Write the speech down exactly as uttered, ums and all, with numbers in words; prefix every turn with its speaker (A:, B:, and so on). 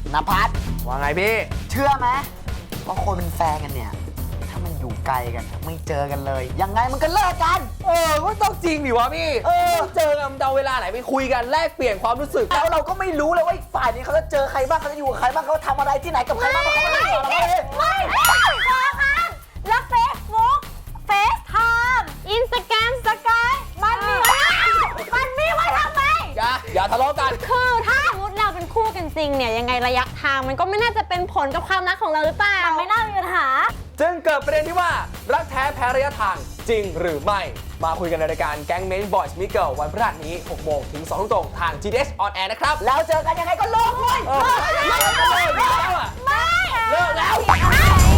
A: นภัส
B: ว่าไงพี่
A: เชื่อไหมว่าคนเป็นแฟนกันเนี่ยถ้ามันอยู่ไกลกันไม่เจอกันเลยยังไงมันก็เลิกกัน
B: เออก็ต้องจริงดิวะพี่
A: เออ
B: เจอกันมันจะเอาเวลาไหนไปคุยกันแลกเปลี่ยนความรู้สึก
A: แล้วเราก็ไม่รู้เลยว่าอีกฝ่ายนี้เขาจะเจอใครบ้างเขาจะอยู่กับใครบ้างเขาทำอะไรที่ไหนกับใครบ้างเขาไม่รู้เราไม่
C: ไม่ไม่พอค่ะแล้วเฟซบุ๊กเฟซไทม์อินสตาแกรมสกายมันมีไว้มันมีไว้ทำไม
B: อย่าอย่าทะเลาะกัน
C: คือถ้าสมมติเราเป็นคู่กันจริงเนี่ยยังไงระยะทางมันก็ไม่น่าจะเป็นผลกับความรักของเราหรือเปล่ามันไม่น่ามีปัญหา
B: จึงเกิดประเด็นที่ว่ารักแท้แพ้ระยะทางจริงหรือไม่ มาคุยกันในรายการแก๊งเมนบอยส์มิเกิลวันพฤหัสนี้หกโมงถึงสองทุ่มตรงทาง จี ดี เอส On Air นะครับ
A: แล้วเจอกันยังไงก็เลิกเว้ย
B: เออเลิกแล้วอะ
C: ไม่
B: เลิกแล้ว
C: ไม่